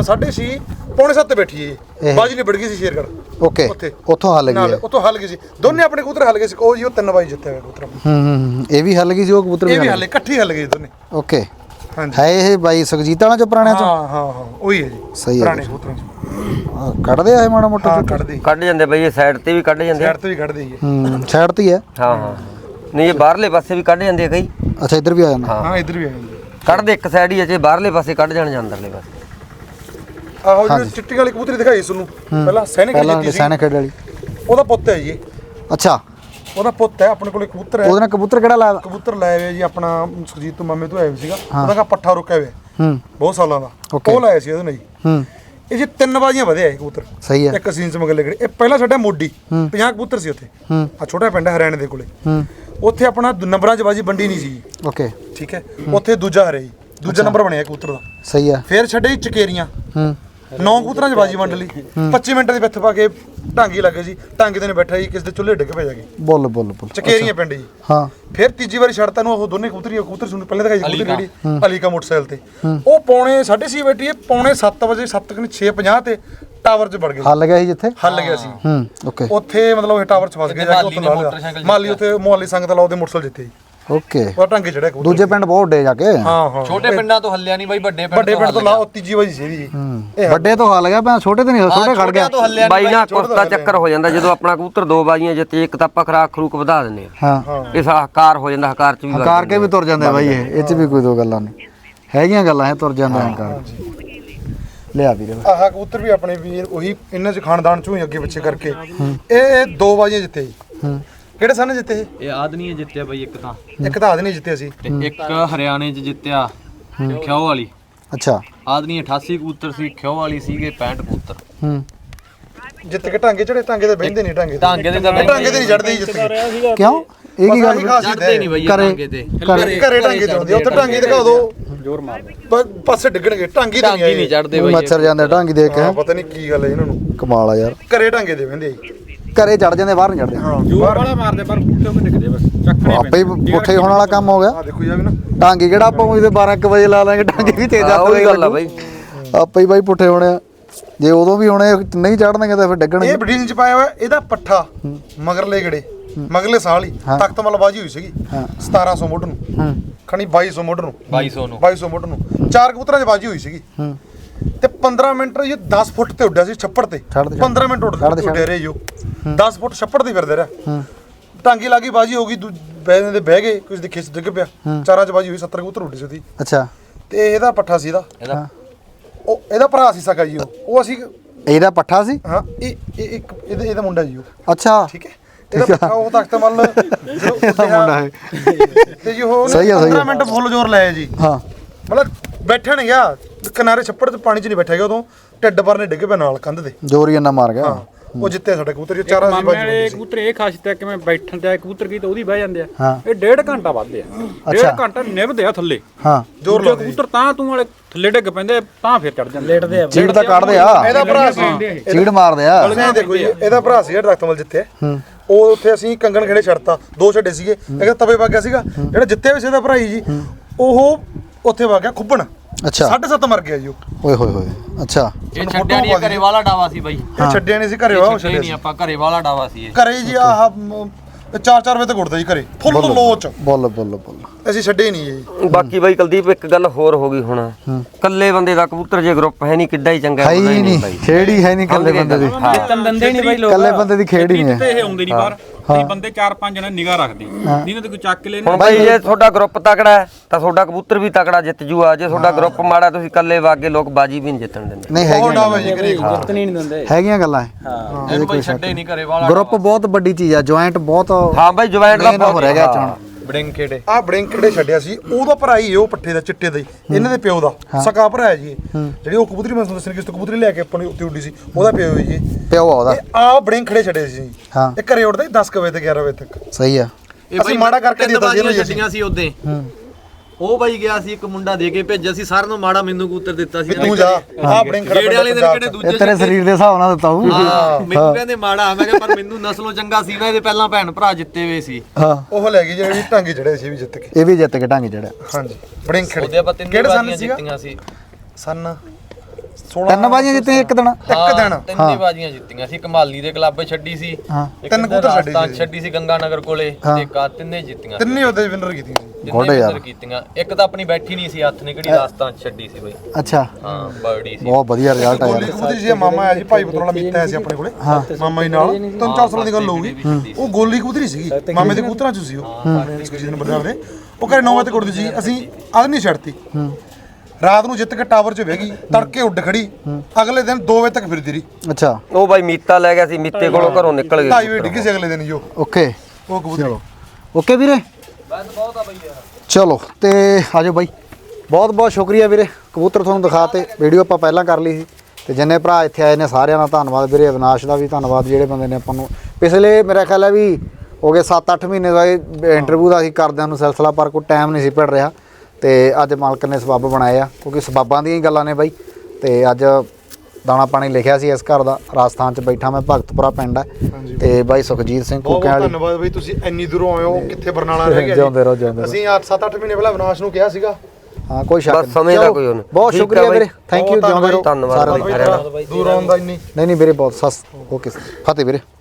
7 ਤੇ ਬੈਠੀ ਇਹ ਬਾਜੀ ਨਿਬੜ ਗਈ ਸੀ ਸ਼ੇਰਗੜ੍ਹ।
ਓਕੇ
ਉੱਥੇ
ਉੱਥੋਂ ਹੱਲ ਗਈ ਹੈ।
ਉੱਥੋਂ ਹੱਲ ਗਈ ਸੀ, ਦੋਨੇ ਆਪਣੇ ਕਬੂਤਰ ਹੱਲ ਗਏ ਸੀ। ਉਹ ਜੀ ਉਹ 3 ਬਾਜੀ ਜਿੱਤਿਆ ਹੋਇਆ ਕਬੂਤਰ।
ਇਹ ਵੀ ਹੱਲ ਗਈ ਸੀ ਉਹ ਕਬੂਤਰ
ਇਹ ਵੀ ਹੱਲੇ ਇਕੱਠੀ ਹੱਲ ਗਏ ਦੋਨੇ।
ਓਕੇ
ਹਾਂਜੀ
ਹੈ ਇਹ ਬਾਈ ਸੁਖਜੀਤ ਵਾਲਾ ਚ ਪੁਰਾਣਿਆਂ ਚ
ਹਾਂ ਉਹੀ ਹੈ ਜੀ
ਸਹੀ ਹੈ
ਪੁਰਾਣੇ ਕਬੂਤਰਾਂ ਚ
ਕੱਢਦੇ ਆ ਇਹ ਮਾੜਾ ਮੋਟਾ
ਹਾਂ ਕੱਢਦੇ
ਕੱਢ ਜਾਂਦੇ ਬਈ, ਇਹ ਸਾਈਡ ਤੇ ਵੀ ਕੱਢ ਜਾਂਦੇ
ਸਾਈਡ ਤੇ ਵੀ ਕੱਢਦੇ ਹੀ ਹੈ।
ਸਾਈਡ ਤੇ ਹੀ ਹੈ।
ਹਾਂ ਨਹੀਂ ਇਹ ਬਾਹਰਲੇ ਪਾਸੇ ਵੀ ਕੱਢ ਜਾਂਦੇ ਆ ਕਈ।
ਅੱਛਾ ਇੱਧਰ ਵੀ ਆ ਜਾਂਦਾ।
ਹਾਂ ਇੱਧਰ ਵੀ ਆ ਜਾਂਦੇ
ਕੱਢਦੇ ਇੱਕ ਸਾਈਡ ਹੀ ਅਜੇ ਬਾਹਰਲੇ ਪਾਸੇ ਕੱਢ ਜਾਣ ਅੰਦਰਲੇ ਪਾਸੇ।
ਆਹੋ ਜਿਹੜੀ ਚਿੱਟੀ ਵਾਲੀ ਕਬੂਤਰੀ ਦਿਖਾਈ ਤੁਹਾਨੂੰ ਪਹਿਲਾਂ ਸੈਨਿਕ ਜਿੱਤੀ ਸੀ,
ਸੈਨਿਕ ਵਾਲੀ
ਉਹਦਾ ਪੁੱਤ ਹੈ ਜੀ ਇਹ।
ਅੱਛਾ
ਉਹਦਾ ਪੁੱਤ ਹੈ, ਆਪਣੇ ਕੋਲੇ ਕਬੂਤਰ ਹੈ।
ਉਹਦੇ ਨਾਲ ਕਬੂਤਰ ਕਿਹੜਾ ਲਾਇਆ?
ਕਬੂਤਰ ਲਾਇਆ ਹੋਇਆ ਜੀ ਆਪਣਾ ਸੁਖਜੀਤ ਤੋਂ ਮਾਮੇ ਤੋਂ ਆਇਆ ਹੋਇਆ ਸੀਗਾ, ਉਹਦਾ ਕਾ ਪੱਠਾ ਰੁਕਿਆ ਹੋਇਆ ਬਹੁਤ ਸਾਲਾਂ ਦਾ, ਉਹ ਲਾਇਆ ਸੀ ਉਹਦੇ ਨਾਲ ਜੀ। ਇਹ ਜੀ 3 ਬਾਜ਼ੀਆਂ ਵਧਿਆ ਇਹ ਕਬੂਤਰ।
ਸਹੀ ਹੈ।
ਇੱਕ ਸੀਨ ਚ ਮਗਲੇ ਗੜੇ ਇਹ ਪਹਿਲਾਂ ਸਾਡਾ ਮੋਢੀ 50 ਕਬੂਤਰ ਸੀ ਉੱਥੇ, ਆ ਛੋਟਾ ਪਿੰਡ ਹੈ ਹਰਿਆਣੇ ਦੇ ਕੋਲੇ। ਉੱਥੇ ਆਪਣਾ ਨੰਬਰਾਂ ਚ ਬਾਜੀ ਵੰਡੀ ਨਹੀਂ ਸੀ।
ਓਕੇ
ਠੀਕ ਹੈ, ਉੱਥੇ ਦੂਜਾ ਹਰਿਆ ਜੀ, ਦੂਜਾ ਨੰਬਰ ਬਣਿਆ ਕਬੂਤਰ ਦਾ।
ਸਹੀ ਹੈ।
ਫੇਰ ਛੱਡੇ ਜੀ ਚਕੇਰੀਆਂ 9 ਕਬੂਤਰਾਂ 'ਚ ਬਾਜੀ ਵੰਡ ਲਈ। 25 ਮਿੰਟ ਦੀ ਵਿੱਥ ਪਾ ਕੇ ਢਾਂਗੀ ਲੱਗੇ ਜੀ, ਢਾਂਗੀ ਤੇ ਨੇ ਬੈਠਾ ਜੀ, ਕਿਸੇ ਦੇ ਚੁੱਲ੍ਹੇ ਡਿੱਗ ਪੈ ਜਾ ਕੇ
ਬੋਲ
ਚਕੇਰੀਆਂ ਪਿੰਡ ਜੀ।
ਹਾਂ
ਫਿਰ ਤੀਜੀ ਵਾਰੀ ਛੱਡਤਾ ਨੂੰ ਉਹ ਦੋਨੇ ਕਬੂਤਰ ਸੁਣ ਪਹਿਲਾਂ ਦਿਖਾਈ ਕਬੂਤਰ ਜਿਹੜੀ ਅਲੀ ਕਾ ਮੋਟਰਸਾਈਕਲ ਤੇ, ਉਹ ਪੌਣੇ 6:30 ਬੈਠੀ ਹੈ, ਪੌਣੇ 7 ਵਜੇ 7:50 ਤੇ ਟਾਵਰ 'ਚ ਵੜ ਗਏ।
ਹੱਲ ਗਿਆ ਸੀ ਜਿੱਥੇ
ਹੱਲ ਗਿਆ ਸੀ
ਓਕੇ
ਉੱਥੇ, ਮਤਲਬ ਇਹ ਟਾਵਰ 'ਚ ਫਸ ਗਏ ਜਾ ਕੇ। ਉੱਥੇ ਲਾ ਮਾਲੀ ਉੱਥੇ ਮੁਹਾਲੀ ਸੰਗਤ ਲਾਓ ਦੇ ਮੋਟਰਸਾਈਕਲ ਜਿੱਤੇ ਜੀ।
ਓਕੇ
ਉਹ ਢਾਂਗੇ ਚੜਿਆ ਕਬੂਤਰ।
ਦੂਜੇ ਪਿੰਡ ਬਹੁਤ ਡੇ ਜਾ ਕੇ।
ਹਾਂ
ਛੋਟੇ ਪਿੰਡਾਂ ਤੋਂ ਹੱਲਿਆ ਨਹੀਂ ਬਾਈ, ਵੱਡੇ
ਵੱਡੇ ਪਿੰਡ ਤੋਂ ਲਾਓ, ਤੀਜੀ ਵਾਰੀ ਸੀ ਜੀ।
ਵੱਡੇ ਤੋਂ ਹੱਲ ਗਿਆ, ਮੈਂ ਛੋਟੇ ਤੇ ਨਹੀਂ, ਛੋਟੇ ਖੜ ਗਿਆ
ਬਾਈ ਨਾ ਕੁਸਤਾ ਚੱਕਰ ਹੋ ਜਾਂਦਾ ਜਦੋਂ ਆਪਣਾ ਕਬੂਤਰ 2 ਬਾਜ਼ੀਆਂ ਜਿੱਤੇ, ਇੱਕ ਤਾਂ ਆਪਾਂ ਖਰਾਕ ਖਰੂਕ ਵਧਾ ਦਿੰਦੇ ਆ।
ਹਾਂ
ਇਹ ਹਕਾਰ ਹੋ ਜਾਂਦਾ, ਹਕਾਰ ਚ ਵੀ
ਹੰਕਾਰ ਕੇ ਵੀ ਤੁਰ ਜਾਂਦੇ ਆ ਬਾਈ, ਇਹ ਚ ਵੀ ਕੋਈ ਦੋ ਗੱਲਾਂ ਨਹੀਂ ਹੈਗੀਆਂ, ਗੱਲਾਂ ਇਹ ਤੁਰ ਜਾਂਦਾ ਹੰਕਾਰ। ਲਿਆ ਵੀਰੇ
ਆਹ ਕਬੂਤਰ ਵੀ ਆਪਣੇ ਵੀਰ ਉਹੀ ਇਹਨਾਂ ਚ ਖਾਨਦਾਨ ਚੋਂ ਹੀ ਅੱਗੇ ਪਿੱਛੇ ਕਰਕੇ ਇਹ 2 ਬਾਜ਼ੀਆਂ ਜਿੱਤੇ ਜੀ। ਕਿਹੜੇ ਸਨ ਜਿੱਤੇ
ਇਹ ਆਦਨੀਏ ਜਿੱਤਿਆ ਬਾਈ ਇੱਕ ਤਾਂ,
ਇੱਕ ਤਾਂ ਆਦਨੀ ਜਿੱਤੇ ਸੀ
ਤੇ ਇੱਕ ਹਰਿਆਣੇ 'ਚ ਜਿੱਤਿਆ ਖਿਓ ਵਾਲੀ।
ਅੱਛਾ
ਆਦਨੀ 88 ਕਬੂਤਰ ਸੀ, ਖਿਓ ਵਾਲੀ ਸੀਗੇ 65 ਕਬੂਤਰ।
ਜਿੱਤ ਕੇ ਢਾਂਗੇ ਚੜੇ, ਢਾਂਗੇ ਤੇ ਬਹਿੰਦੇ ਨਹੀਂ, ਢਾਂਗੇ
ਢਾਂਗੇ ਤੇ
ਢਾਂਗੇ ਤੇ ਨਹੀਂ ਚੜਦੇ ਜੀ। ਜਿੱਤ ਕੇ
ਕਿਉਂ ਇਹ ਕੀ ਗੱਲ
ਚੜਦੇ ਨਹੀਂ ਬਾਈ ਢਾਂਗੇ ਤੇ,
ਘਰੇ ਢਾਂਗੇ ਤੇ ਆਉਂਦੇ, ਉੱਥੇ ਢਾਂਗੇ ਦਿਖਾ ਦੋ ਜ਼ੋਰ ਮਾਰਦੇ ਪਾਸੇ ਡਿੱਗਣਗੇ, ਢਾਂਗੇ ਤੇ
ਢਾਂਗੇ ਨਹੀਂ ਚੜਦੇ ਬਾਈ।
ਮੱਛਰ ਜਾਂਦੇ ਢਾਂਗੀ ਦੇਖ ਕੇ।
ਪਤਾ ਨਹੀਂ ਕੀ ਗੱਲ ਹੈ ਇਹਨਾਂ ਨੂੰ,
ਕਮਾਲ ਆ ਯਾਰ।
ਘਰੇ ਢਾਂਗੇ ਦੇ ਬਹਿੰਦੇ ਜੀ।
ਘਰੇ ਚੜ ਜਾਂਦੇ, ਬਾਹਰ ਨਹੀਂ ਚੜਦੇ।
ਜ਼ੋਰ ਵਾਲਾ ਮਾਰਦੇ ਪਰ ਪੁੱਠੇ ਹੋ ਕੇ ਨਿਕਦੇ ਬਸ, ਚੱਕਣੇ
ਆਪੇ ਹੀ ਪੁੱਠੇ ਹੋਣ ਵਾਲਾ ਕੰਮ ਹੋ ਗਿਆ।
ਆ ਦੇਖੋ ਜੀ ਆ ਵੀ ਨਾ
ਢਾਂਗੀ ਕਿਹੜਾ ਆਪਾਂ ਉਹਦੇ 12 ਵਜੇ ਲਾ ਲਾਂਗੇ, ਢਾਂਗੀ ਵੀ ਤੇਜ਼ ਆ
ਉਹੀ ਗੱਲ ਆ ਬਾਈ।
ਆਪੇ ਹੀ ਬਾਈ ਪੁੱਠੇ ਹੋਣੇ ਆ, ਜੇ ਉਦੋਂ ਵੀ ਹੋਣੇ ਨਹੀਂ ਚੜਨਗੇ ਤਾਂ ਫਿਰ ਡਿੱਗਣਗੇ।
ਇਹ ਬਰੀਡਿੰਗ ਚ ਪਾਇਆ ਹੋਇਆ ਇਹਦਾ ਪੱਠਾ ਮਗਰਲੇ ਗੜੇ ਮਗਰਲੇ ਸਾਲ ਹੀ ਤਖਤ ਮਲ ਬਾਜੀ ਹੋਈ ਸੀਗੀ 1700 ਮੁੱਢ ਨੂੰ, ਖਣੀ 2200 ਮੁੱਢ ਨੂੰ, 2200 ਮੁੱਢ ਨੂੰ 4 ਕਬੂਤਰਾਂ 'ਚ ਬਾਜੀ ਹੋਈ ਸੀਗੀ। ਤੇ 15 ਮਿੰਟ ਇਹ 10 ਫੁੱਟ ਤੇ ਉੱਡਿਆ ਸੀ ਛੱਪੜ ਤੇ, 15 ਮਿੰਟ ਉੱਡਿਆ ਰਿਹਾ ਜੀ ਉਹ 10 ਫੁੱਟ ਛੱਪੜ ਤੇ ਫਿਰਦੇ ਰਿਹਾ। ਢਾਂਗੀ ਲੱਗੀ ਬਾਜੀ ਹੋ ਗਈ, ਬੈਠੇ ਦੇ ਬਹਿ ਗਏ, ਕੁਝ ਦੇ ਖਿੱਚ ਡਿੱਗ ਪਿਆ। 4 'ਚ ਬਾਜੀ ਹੋਈ, 70 ਕਬੂਤਰ ਉੱਡੇ ਸੀ ਉਹਦੀ।
ਅੱਛਾ
ਤੇ ਇਹਦਾ ਪੱਠਾ ਸੀ ਇਹਦਾ, ਉਹ ਇਹਦਾ ਭਰਾ ਸੀ ਸਕਾ ਜੀ। ਉਹ ਅਸੀਂ
ਇਹਦਾ ਪੱਠਾ ਸੀ।
ਹਾਂ ਇਹ ਇੱਕ ਇਹਦਾ ਮੁੰਡਾ ਜੀ ਉਹ।
ਅੱਛਾ
ਠੀਕ ਹੈ, ਇਹਦਾ ਪੱਠਾ ਉਹ ਤਖਤ ਮਲ
ਮੁੰਡਾ ਹੈ
ਤੇ ਜੀ ਉਹ
ਸਹੀ ਆ, ਸਹੀ ਆ।
15 ਮਿੰਟ ਫੁੱਲ ਜ਼ੋਰ ਲਾਇਆ ਜੀ।
ਹਾਂ
ਮਤਲਬ ਬੈਠਣ ਗਿਆ ਕਿਨਾਰੇ ਛੱਪੜ ਤੇ, ਪਾਣੀ 'ਚ ਨਹੀਂ ਬੈਠਾ ਗਿਆ ਉਦੋਂ, ਢਿੱਡ ਪਰ ਨੇ ਡਿੱਗ ਪਿਆ ਨਾਲ ਕੰਧ ਦੇ।
ਜ਼ੋਰ ਹੀ ਇੰਨਾ ਮਾਰ ਗਿਆ।
ਉਹ ਜਿੱਤੇ ਸਾਡੇ ਕਬੂਤਰ, 4 ਦੀ ਬਾਜੀ
ਮਾਮੇ ਕਬੂਤਰ ਇਹ ਖਾਸੀਅਤ ਹੈ ਕਿ ਮੈਂ ਬੈਠਣ ਤੇ ਕਬੂਤਰ ਕੀ ਤਾਂ ਉਹਦੀ ਬਹਿ ਜਾਂਦੇ ਆ।
ਹਾਂ
ਇਹ 1.5 ਘੰਟਾ ਵੱਧਦੇ ਆ, 1.5 ਘੰਟਾ ਨਿਭਦੇ ਆ ਥੱਲੇ।
ਹਾਂ
ਜ਼ੋਰ
ਦੂਜੇ ਕਬੂਤਰ ਤਾਂ ਤੂੰ ਵਾਲੇ ਥੱਲੇ ਡਿੱਗ ਪੈਂਦੇ, ਤਾਂ ਫਿਰ ਚੜ ਜਾਂਦੇ, ਲੇਟਦੇ ਆ,
ਚੀੜ ਤਾਂ ਕੱਢਦੇ ਆ,
ਇਹਦਾ ਭਰਾ ਸੀ,
ਚੀੜ ਮਾਰਦੇ ਆ।
ਇਹ ਦੇਖੋ ਜੀ ਇਹਦਾ ਭਰਾ ਸੀ ਜਿਹੜਾ ਤਖਤਮਲ ਜਿੱਤੇ। ਉਹ ਉੱਥੇ ਅਸੀਂ ਕੰਗਣ ਖੇੜੇ ਛੱਡਤਾ, 2 ਛੱਡੇ ਸੀਗੇ, ਇੱਕ ਤਵੇ ਵਗ ਗਿਆ ਸੀਗਾ। ਜਿਹੜਾ ਜਿੱਤੇ ਵੀ ਸੀ ਇਹਦਾ ਭਰਾ ਜੀ, ਉਹ ਉੱਥੇ ਵਗ ਗਿਆ ਖੁੱਬਣ।
ਅੱਛਾ
7.5 ਮਰ ਗਿਆ ਜੀ ਉਹ।
ਓਏ ਹੋਏ ਹੋਏ। ਅੱਛਾ
ਇਹ ਛੱਡਿਆ ਨਹੀਂ, ਘਰੇ ਵਾਲਾ ਡਾਵਾ ਸੀ ਬਾਈ।
ਇਹ ਛੱਡਿਆ ਨਹੀਂ ਸੀ, ਘਰੇ ਉਹ
ਛੱਡੇ ਨਹੀਂ ਆਪਾਂ, ਘਰੇ ਵਾਲਾ ਡਾਵਾ ਸੀ ਇਹ।
ਘਰੇ ਜੀ ਆਹ ਤੇ 4-4 ਵਜੇ ਤੱਕ ਉੱਠਦਾ ਜੀ ਘਰੇ ਫੁੱਲ ਲੋਚ।
ਬੋਲ
ਅਸੀਂ ਛੱਡੇ ਨਹੀਂ ਜੀ।
ਬਾਕੀ ਬਾਈ ਕੁਲਦੀਪ ਇੱਕ ਗੱਲ ਹੋਰ ਹੋ ਗਈ ਹੁਣ ਕੱਲੇ ਬੰਦੇ ਦਾ ਕਬੂਤਰ ਜੇ ਗਰੁੱਪ ਹੈ ਨਹੀਂ ਕਿੱਡਾ ਹੀ ਚੰਗਾ
ਹੈ ਹੀ ਨਹੀਂ ਖੇੜੀ ਹੈ ਨਹੀਂ ਕੱਲੇ ਬੰਦੇ ਦੀ
ਜਿੱਤਣ ਦਿੰਦੇ ਨਹੀਂ ਬਾਈ ਲੋਕ
ਕੱਲੇ ਬੰਦੇ ਦੀ ਖੇਡ ਹੀ ਨਹੀਂ
ਤੇ
ਹੈ
ਇਹ ਆਉਂਦੇ ਨਹੀਂ ਬਾਹਰ ਕਈ ਬੰਦੇ 4-5 ਜਣੇ ਨਿਗਾਹ ਰੱਖਦੇ ਜਿਹਨਾਂ ਤੇ ਕੋਈ ਚੱਕ ਕੇ ਲੈਣਾ
ਹੁਣ ਬਾਈ ਜੇ ਤੁਹਾਡਾ ਗਰੁੱਪ ਤਕੜਾ ਹੈ ਤਾਂ ਤੁਹਾਡਾ ਕਬੂਤਰ ਵੀ ਤਕੜਾ ਜਿੱਤ ਜੂਆ ਜੇ ਤੁਹਾਡਾ ਗਰੁੱਪ ਮਾੜਾ ਤੁਸੀਂ ਕੱਲੇ ਵਾਗੇ ਲੋਕ ਬਾਜੀ ਵੀ ਨਹੀਂ ਜਿੱਤਣ ਦਿੰਦੇ
ਨਹੀਂ ਹੈਗੀਆਂ
ਜੀ ਘਰੇ
ਜਿੱਤਣੀ ਨਹੀਂ ਦਿੰਦੇ
ਹੈਗੀਆਂ ਗੱਲਾਂ
ਇਹਨੂੰ ਕੋਈ ਛੱਡੇ ਨਹੀਂ ਘਰੇ ਵਾਲਾ
ਗਰੁੱਪ ਬਹੁਤ ਵੱਡੀ ਚੀਜ਼ ਆ ਜੁਆਇੰਟ ਬਹੁਤ
ਹਾਂ ਬਾਈ ਜੁਆਇੰਟ ਦਾ
ਹੋ ਰਹਿ ਗਿਆ ਚਾਣ
ਬੜਿੰਗ ਖੇੜੇ
ਆਹ ਬੜਿੰਕੜੇ ਛੱਡਿਆ ਸੀ ਉਹਦਾ ਭਰਾ ਹੀ ਉਹ ਪੱਠੇ ਦਾ ਚਿੱਟੇ ਦਾ ਹੀ ਇਹਨਾਂ ਦੇ ਪਿਓ ਦਾ ਸਕਾ ਭਰਾ ਹੈ ਜੀ ਇਹ। ਜਿਹੜੀ ਉਹ ਕਬੂਤਰੀ ਮੈਂ ਤੁਹਾਨੂੰ ਦੱਸਣੀ ਕਿਸ ਤੋਂ ਕਬੂਤਰੀ ਲੈ ਕੇ ਆਪਾਂ ਨੂੰ ਉੱਤੇ ਉੱਡੀ ਸੀ ਉਹਦਾ ਪਿਓ ਹੈ ਜੀ
ਪਿਓ ਆ ਉਹਦਾ
ਆਹ ਬੜਿੰਕੜੇ ਛੱਡੇ ਸੀ
ਹਾਂ।
ਇਹ ਘਰੇ ਉੱਡਦਾ 10 ਵਜੇ ਤੇ 11 ਵਜੇ ਤੱਕ
ਸਹੀ ਆ
ਅਸੀਂ ਮਾੜਾ ਕਰਕੇ ਦਿੱਤਾ ਸੀ ਇਹਨੂੰ ਜੀ ਅਸੀਂ।
ਛੱਡੀਆਂ ਸੀ ਉਹਦੇ ਉਹ ਬਾਈ ਗਿਆ ਸੀ ਇੱਕ ਮੁੰਡਾ ਦੇ ਕੇ ਭੇਜਿਆ ਸੀ ਸਾਰਿਆਂ ਨੂੰ ਮਾੜਾ ਮੈਨੂੰ ਕਬੂਤਰ ਦਿੱਤਾ ਸੀ
ਵੀ ਤੂੰ ਜਾ ਆਹ ਬੜਿੰਕੜਾ
ਖੇੜੇ ਵਾਲੇ ਦਿਨ ਕਿਹੜੇ ਦੂਜੇ
ਇਹ ਤੇਰੇ ਸਰੀਰ ਦੇ ਹਿਸਾਬ ਨਾਲ ਦਿੱਤਾ ਹੂੰ
ਹਾਂ ਮੈਨੂੰ ਕਹਿੰਦੇ ਮਾੜਾ ਮੈਂ ਕਿਹਾ ਪਰ ਮੈਨੂੰ ਨਸਲੋਂ ਚੰਗਾ ਸੀ ਨਾ ਇਹਦੇ ਪਹਿਲਾਂ ਭੈਣ ਭਰਾ ਜਿੱਤੇ ਹੋਏ ਸੀ
ਹਾਂ
ਉਹ ਲੈ ਗਈ ਜਿਹੜੀ ਢਾਂਗੇ ਚੜੇ ਸੀ ਵੀ ਜਿੱਤ ਕੇ।
ਇਹ ਵੀ ਜਿੱਤ ਕੇ ਢੰਗ ਚੜਿਆ
ਹਾਂਜੀ ਬੜਿੰਕੜੇ
ਉਹਦੇ ਆਪਾਂ ਤਿੰਨ
ਕਿਹੜੇ ਸੰਨ
ਬਾਜ਼ੀਆਂ
ਸੀਗਾ
ਜਿੱਤੀਆਂ ਸੀ
ਸੰਨ 16
ਤਿੰਨ ਬਾਜੀਆਂ ਜਿੱਤੇ ਇੱਕ ਦਿਨ
ਇੱਕ ਦਿਨ
ਤਿੰਨੇ ਬਾਜ਼ੀਆਂ ਜਿੱਤੀਆਂ ਸੀ ਕਮਾਲੀ ਦੇ ਕਲੱਬ ਛੱਡੀ ਸੀ
ਹਾਂ
ਇੱਕ
ਤਿੰਨ ਕਬੂਤਰ ਛੱਡੇ
ਰਾਜਸਥਾਨ ਛੱਡੀ ਸੀ ਗੰਗਾ ਨਗਰ ਕੋਲੇ ਤੇ ਇੱਕ ਆਹ ਤਿੰਨੇ ਜਿੱਤੀਆਂ
ਤਿੰਨੇ ਉਹਦੇ ਵਿਨਰ ਕੀਤੀਆਂ ਸੀ।
ਤਿੰਨੇ
ਗੋਡੇ ਯਾਰ।
ਵਿਨਰ ਕੀਤੀਆਂ ਇੱਕ ਤਾਂ ਆਪਣੀ ਬੈਠੀ ਨਹੀਂ ਸੀ ਹੱਥ ਨੇ ਕਿਹੜੀ ਰਾਜਸਥਾਨ ਛੱਡੀ ਸੀ ਬਈ
ਅੱਛਾ
ਹਾਂ ਬਰਡੀ ਸੀ
ਬਹੁਤ ਵਧੀਆ ਰਿਜ਼ਲਟ ਆ
ਗੋਲੀ
ਯਾਰ
ਕਬੂਤਰੀ ਜੀ ਮਾਮਾ ਆਇਆ ਜੀ ਭਾਈ ਪਤਰੋਲਾ ਮੀਤਾ ਆਇਆ ਸੀ ਆਪਣੇ ਕੋਲੇ ਮਾਮਾ ਜੀ ਨਾਲ 3-4 ਸਾਲਾਂ ਦੀ ਗੱਲ ਹੋਊਗੀ ਉਹ ਗੋਲੀ ਕਬੂਤਰੀ ਸੀਗੀ ਮਾਮੇ ਦੇ ਕਬੂਤਰਾਂ ਚ ਸੀ ਉਹ ਜਿਹਨੇ ਬੰਦਾ ਨੇ ਉਹ ਘਰੇ 9 ਵਜੇ ਤੱਕ ਉੱਡਦੀ ਸੀ ਅਸੀਂ ਅੱਧ ਨਹੀਂ ਛੱਡਤੀ ਰਾਤ ਨੂੰ ਜਿੱਤ ਕੇ ਟਾਵਰ 'ਚ ਬਹਿ ਗਈ ਤੜਕੇ ਉੱਡ ਖੜੀ ਅਗਲੇ ਦਿਨ 2 ਵਜੇ ਤੱਕ ਫਿਰਦੀ ਰਹੀ
ਅੱਛਾ
ਉਹ ਬਾਈ ਮੀਤਾ ਲੈ ਗਿਆ ਸੀ ਮੀਤੇ ਕੋਲੋਂ ਘਰੋਂ ਨਿਕਲ
2:30
ਗਏ
ਵਜੇ ਡਿੱਗੀ ਸੀ ਅਗਲੇ ਦਿਨ ਹੀ ਉਹ
ਓਕੇ
ਕਬੂਤਰੀ
ਓਕੇ ਵੀਰੇ ਚਲੋ ਤੇ ਆਜੋ ਬਾਈ ਬਹੁਤ ਬਹੁਤ ਸ਼ੁਕਰੀਆ ਵੀਰੇ ਕਬੂਤਰ ਤੁਹਾਨੂੰ ਦਿਖਾਤੇ ਵੀਡੀਓ ਆਪਾਂ ਪਹਿਲਾਂ ਕਰ ਲਈ ਸੀ ਤੇ ਜਿੰਨੇ ਭਰਾ ਇੱਥੇ ਆਏ ਨੇ ਸਾਰਿਆਂ ਦਾ ਧੰਨਵਾਦ ਵੀਰੇ ਅਵਿਨਾਸ਼ ਦਾ ਵੀ ਧੰਨਵਾਦ ਜਿਹੜੇ ਬੰਦੇ ਨੇ ਆਪਾਂ ਨੂੰ ਪਿਛਲੇ ਮੇਰਾ ਖਿਆਲ ਹੈ ਵੀ ਹੋ ਗਏ 7-8 ਮਹੀਨੇ ਦਾ ਇੰਟਰਵਿਊ ਦਾ ਅਸੀਂ ਕਰਦਿਆਂ ਨੂੰ ਸਿਲਸਿਲਾ ਪਰ ਕੋਈ ਟਾਈਮ ਨਹੀਂ ਸੀ ਭਿੜ ਰਿਹਾ ਤੇ ਅੱਜ ਮਾਲਕ ਨੇ ਸਬੱਬ ਬਣਾਏ ਆ ਕਿਉਂਕਿ ਸਬੱਬਾਂ ਦੀਆਂ ਹੀ ਗੱਲਾਂ ਨੇ ਬਾਈ ਤੇ ਅੱਜ ਦਾਣਾ ਪਾਣੀ ਲਿਖਿਆ ਸੀ ਇਸ ਘਰ ਦਾ ਰਾਜਸਥਾਨ 'ਚ ਬੈਠਾ ਮੈਂ ਭਗਤਪੁਰਾ ਪਿੰਡ ਹੈ ਤੇ ਬਾਈ ਸੁਖਜੀਤ ਸਿੰਘ
ਬਹੁਤ
ਕੁੱਕਿਆਂ ਵਾਲੀ
ਧੰਨਵਾਦ ਬਈ ਤੁਸੀਂ ਇੰਨੀ ਦੂਰੋਂ ਆਏ ਹੋ ਕਿੱਥੇ ਬਰਨਾਲਾ ਰਹਿ ਗਿਆ
ਜਿਉਂਦੇ ਰਹੋ ਜਿਉਂਦੇ ਰਹੋ
ਅਸੀਂ 7-8 ਮਹੀਨੇ ਪਹਿਲਾਂ ਅਵਿਨਾਸ਼ ਨੂੰ ਕਿਹਾ ਸੀਗਾ
ਹਾਂ ਕੋਈ ਸ਼ੱਕ
ਬਸ ਸਮੇਂ ਦਾ
ਚਲੋ,
ਕੋਈ ਉਹ ਨਹੀਂ।
ਬਹੁਤ
ਠੀਕ ਆ
ਸ਼ੁਕਰੀਆ
ਬਾਈ।
ਵੀਰੇ ਥੈਂਕ ਯੂ ਜਿਉਂਦੇ ਰਹੋ
ਧੰਨਵਾਦ
ਸਾਰਿਆਂ
ਬਾਈ
ਦਾ
ਸਾਰਿਆਂ ਦਾ
ਦੂਰ ਆਉਣ ਦਾ ਇੰਨੀ
ਨਹੀਂ ਵੀਰੇ ਬਹੁਤ ਸਸ ਓਕੇ ਫਤਿਹ ਵੀਰੇ